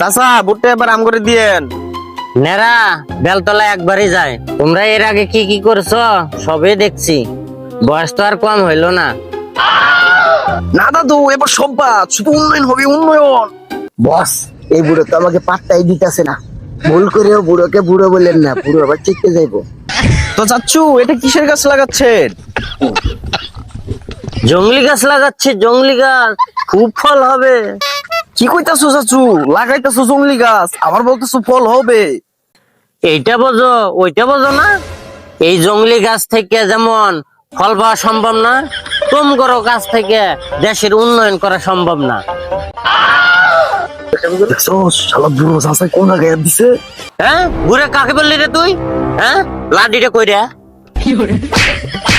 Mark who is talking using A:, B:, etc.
A: চাচা ভুট্টা এবার আম করে দিয়েন।
B: নেরা বেলতলা একবারই যায়। তোমরা এর আগে কি কি করছো সবে দেখছি, বয়স তো আর কম হইলো না।
A: না দাদু, এবার সম্পাদ শুধু উন্নয়ন হবে, উন্নয়ন।
C: বস, এই বুড়ো তো আমাকে পাত্তাই দিতেছে না। ভুল করেও বুড়োকে বুড়ো বললেন না, বুড়ো আবার চিকতে যাইবো।
A: তো চাচ্ছু, এটা কিসের গাছ লাগাচ্ছেন?
B: জংলি গাছ লাগাচ্ছে, জংলি গাছ, খুব ফল হবে।
A: কি কইতাছো চাচু? লাগাইতাছো জংলি গাছ, আবার বলতেছো ফল হবে।
B: এইটা বোঝো ওইটা বোঝো না। এই জংলি গাছ থেকে যেমন ফল পাওয়া সম্ভব না, তুম করো গাছ থেকে দেশের উন্নয়ন করা সম্ভব না।
A: দেখছো শালা বুড়ো চাচা কোন জায়গায় দিছে।
B: হ্যাঁ, ঘুরে কাকে বললি রে তুই? হ্যাঁ, লাডিটা কই রে?